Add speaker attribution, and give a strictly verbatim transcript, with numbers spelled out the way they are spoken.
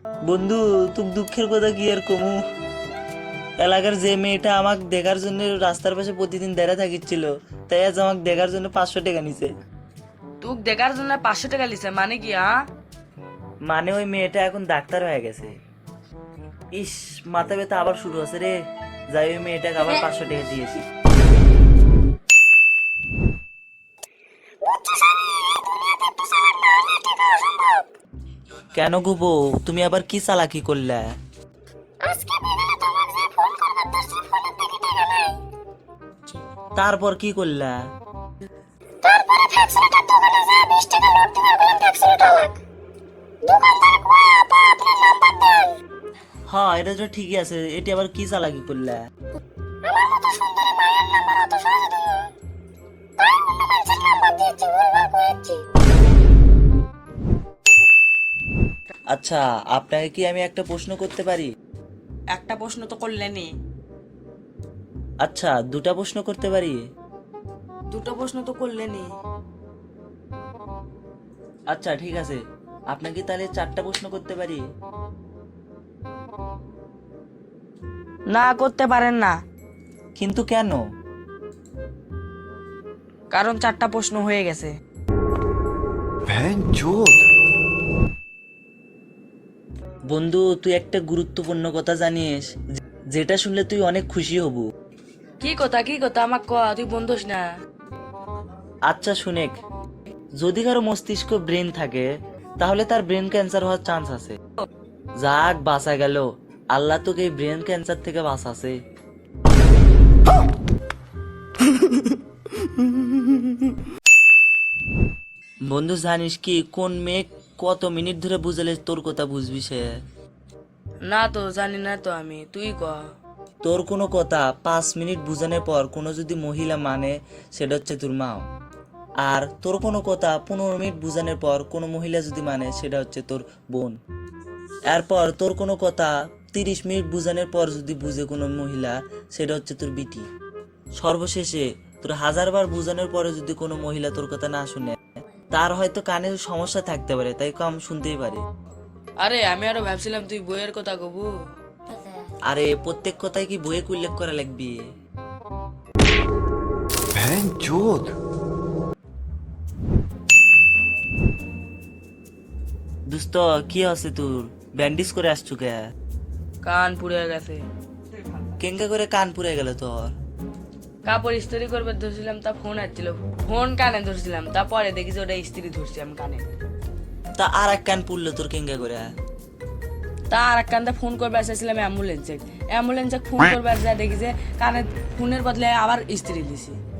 Speaker 1: বন্ধু, তুক দুঃখের কথা কি আর কমু। এলাকার যে মেয়েটা আমাকে দেখার জন্য রাস্তার পাশে প্রতিদিন দাঁড়া থাকিছিল, তাই আজ আমাকে দেখার জন্য পাঁচশো টাকা নিছে।
Speaker 2: তুক দেখার জন্য পাঁচশো টাকা লিছে মানে কি? হ্যাঁ,
Speaker 1: মানে ওই মেয়েটা এখন ডাক্তার হয়ে গেছে। ইস, মাথা ব্যথা আবার শুরু হচ্ছে রে। যাই ওই মেয়েটাকে আবার পাঁচশো টাকা দিয়েছি। কেন গো বউ, তুমি আবার কি চালাকি করলে? তারপর কি করলা? হ্যাঁ, এটা তো ঠিকই আছে, এটি আবার কি চালাকি করলা? আচ্ছা, আপনাকে কি আমি একটা প্রশ্ন করতে পারি?
Speaker 2: একটা প্রশ্ন তো করলেনি।
Speaker 1: আচ্ছা, দুটা প্রশ্ন করতে পারি?
Speaker 2: দুটো প্রশ্ন তো করলেনি।
Speaker 1: আচ্ছা ঠিক আছে, আপনাকে তাহলে চারটা প্রশ্ন করতে পারি?
Speaker 2: না, করতে পারেন না,
Speaker 1: কিন্তু কেন?
Speaker 2: কারণ চারটা প্রশ্ন হয়ে গেছে।
Speaker 1: বন্ধু, তুই একটা গুরুত্বপূর্ণ কথা জানিস, যে- যেটা শুনলে তুই অনেক খুশি হব।
Speaker 2: কি কথা কি কথা আমাক ক, তুই বন্ধুস না।
Speaker 1: আচ্ছা শুনেক, যদি কারো মস্তিষ্ক ব্রেন থাকে, তাহলে তার ব্রেন ক্যান্সার হওয়ার চান্স আছে। যাক, বাঁচা গেল। আল্লাহ তোকে এই ব্রেন ক্যান্সার থেকে বাঁচাছে। বন্ধু, জানিস কি কোন মেয়ে কত মিনিট ধরে বুঝালে তোর কথা বুঝবি সে?
Speaker 2: না তো, জানি না তো আমি, তুই ক।
Speaker 1: তোর কোনো কথা পাঁচ মিনিট বুঝানোর পর কোনো যদি মহিলা মানে, সেটা হচ্ছে তোর মা। আর তোর কোনো কথা পনেরো মিনিট বুঝানোর পর কোনো মহিলা যদি মানে, সেটা হচ্ছে তোর বোন। এরপর তোর কোনো কথা তিরিশ মিনিট বুঝানোর পর যদি বুঝে কোনো মহিলা, সেটা হচ্ছে তোর বিটি। সর্বশেষে তোর হাজার বার বুঝানোর পরে যদি কোনো মহিলা তোর কথা না শুনে, তার হয়তো কানে সমস্যা থাকতে পারে, তাই কম শুনতেই পারে।
Speaker 2: আরে আমি আরো ভাবছিলাম তুই বইয়ের কথা কবু।
Speaker 1: আরে প্রত্যেক কথায় কি বইয়ে উল্লেখ করা লাগবে? দোস্ত, কি আছে তোর? ব্যান্ডেজ করে আসছু কে?
Speaker 2: কান পুড়ে গেছে।
Speaker 1: কেঙ্গা করে কান পুড়ে গেল তোর?
Speaker 2: কাপড় ইস্ত্রি করবে ধরছিলাম, তা ফোন আসছিল, ফোন কানে ধরছিলাম, তারপরে দেখি যে ওটা ইস্ত্রি ধরছি আমি কানে।
Speaker 1: তা আর এক কান পুড়লো তোর কেঙ্গা করে?
Speaker 2: তা আর এক কান্দা ফোন করবে আসছিলাম অ্যাম্বুলেন্সে, অ্যাম্বুলেন্সে ফোন করবে আসা দেখি যে কানে ফোনের বদলে আবার ইস্ত্রি দিছি।